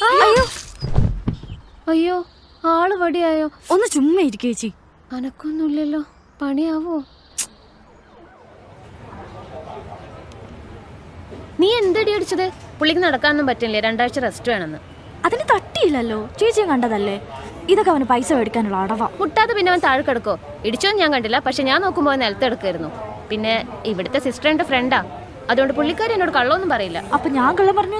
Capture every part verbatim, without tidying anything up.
അയ്യോ അയ്യോ ആള് വടിയായോ? ഒന്ന് ചുമ്മാ ഇരിക്കുക ചേച്ചി. അനക്കൊന്നുമില്ലല്ലോ, പണിയാവോ? നീ എന്തടി അടിച്ചത്? പുള്ളിക്ക് നടക്കാനൊന്നും പറ്റില്ലേ, രണ്ടാഴ്ച റെസ്റ്റ് വേണമെന്ന്. അതിന് തട്ടിയില്ലല്ലോ, ചേച്ചിയും കണ്ടതല്ലേ. ഇതൊക്കെ അവന് പൈസ മേടിക്കാനുള്ള അടവാ. മുട്ടാതെ പിന്നെ അവൻ താഴെ കിടക്കോ? ഇടിച്ചോന്ന് ഞാൻ കണ്ടില്ല, പക്ഷെ ഞാൻ നോക്കുമ്പോൾ നിലത്തെടുക്കായിരുന്നു. പിന്നെ ഇവിടുത്തെ സിസ്റ്റർ എന്റെ ഫ്രണ്ടാ, അതുകൊണ്ട് പുള്ളിക്കാരി എന്നോട് കള്ളൊന്നും പറയില്ല. അപ്പൊ ഞാൻ കള്ളം പറഞ്ഞു?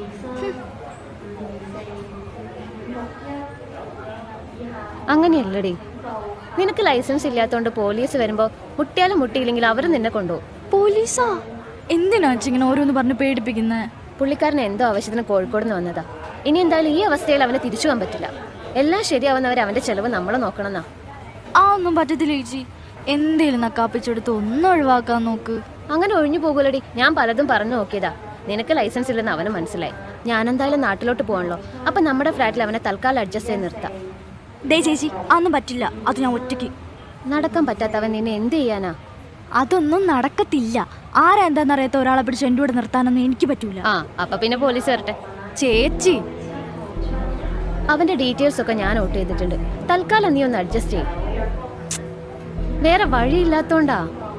അങ്ങനെയല്ലടി, നിനക്ക് ലൈസൻസ് ഇല്ലാത്തോണ്ട് പോലീസ് വരുമ്പോ മുട്ടിയാലും മുട്ടിയില്ലെങ്കിൽ അവരും നിന്നെ കൊണ്ടുപോകും. പോലീസാ? എന്തിനാ ഇങ്ങനെ ഓരോന്ന് പറഞ്ഞ് പേടിപ്പിക്കുന്നത്? പുള്ളിക്കാരന് എന്തോ ആവശ്യത്തിന് കോഴിക്കോട് നിന്ന് വന്നതാ. ഇനി എന്തായാലും ഈ അവസ്ഥയിൽ അവനെ തിരിച്ചു പോകാൻ പറ്റില്ല. എല്ലാം ശരിയാവുന്നവരെ അവന്റെ ചെലവ് നമ്മളെ നോക്കണമെന്നാ. ആ ഒന്നും പറ്റത്തില്ല ചേച്ചി, എന്തേലും നക്കാപ്പിച്ചെടുത്ത് ഒന്നും ഒഴിവാക്കാൻ നോക്ക്. അങ്ങനെ ഒഴിഞ്ഞു പോകൂലടി, ഞാൻ പലതും പറഞ്ഞു നോക്കിയതാ. നിനക്ക് ലൈസൻസ് ഇല്ലെന്ന് അവന് മനസ്സിലായി. ഞാൻ എന്തായാലും നാട്ടിലോട്ട് പോകണല്ലോ, അപ്പൊ നമ്മുടെ ഫ്ലാറ്റിൽ അവനെ തൽക്കാലം അഡ്ജസ്റ്റ് ചെയ്ത് നിർത്താം. ദേ ചേച്ചി, അതൊന്നും പറ്റില്ല. അത് ഞാൻ ഒറ്റയ്ക്ക്. നടക്കാൻ പറ്റാത്തവൻ നിന്നെ എന്ത് ചെയ്യാനാ? അതൊന്നും നടക്കത്തില്ല. ആരാ എന്താന്നറിയാത്ത ഒരാളെ പിടിച്ച് എൻ്റെ കൂടെ നിർത്താനൊന്നും എനിക്ക് പറ്റൂല. ആ അപ്പൊ പിന്നെ പോലീസ് വരട്ടെ. ചേച്ചി, അവന്റെ ഡീറ്റെയിൽസ് ഒക്കെ ഞാൻ നോട്ട് ചെയ്തിട്ടുണ്ട്. തൽക്കാലം നീ ഒന്ന് അഡ്ജസ്റ്റ് ചെയ്യും. വേറെ വഴിയില്ലാത്തോണ്ടാ.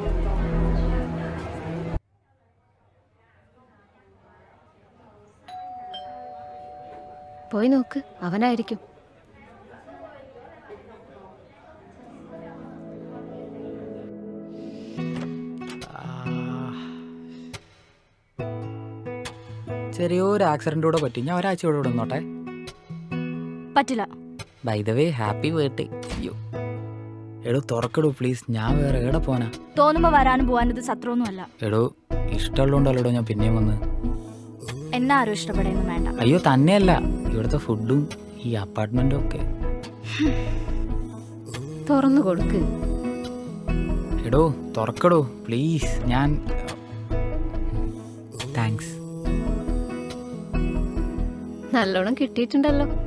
പോയി നോക്ക്, അവനായിരിക്കും. ചെറിയൊരു ആക്സിഡന്റ് കൂടെ പറ്റി. ഞാൻ ഒരാഴ്ച ഇവിടെ നിന്നോട്ടെ? പറ്റില്ല. By the way happy birthday. അയ്യോ എടോ തുറക്കെടോ പ്ലീസ്, ഞാൻ വേറെ എവിടെ പോനാ? തോന്നുമ്പോ വരാനും പോവാനും ഇത് സത്രമൊന്നും അല്ല. എടോ ഇഷ്ടമുള്ളതുകൊണ്ടല്ലോ ഞാൻ പിന്നെയും വന്ന്. എന്നെ ആരും ഇഷ്ടപ്പെടുന്നു വേണ്ട. അയ്യോ തന്നെയല്ല, ഇവിടുത്തെ ഫുഡും ഈ അപ്പാർട്ട്മെന്റും ഒക്കെ. തുറന്നു കൊടുക്ക്. എടോ തുറക്കടോ പ്ലീസ്. ഞാൻ താങ്ക്സ്. നല്ലോണം കിട്ടിയിട്ടുണ്ടല്ലോ.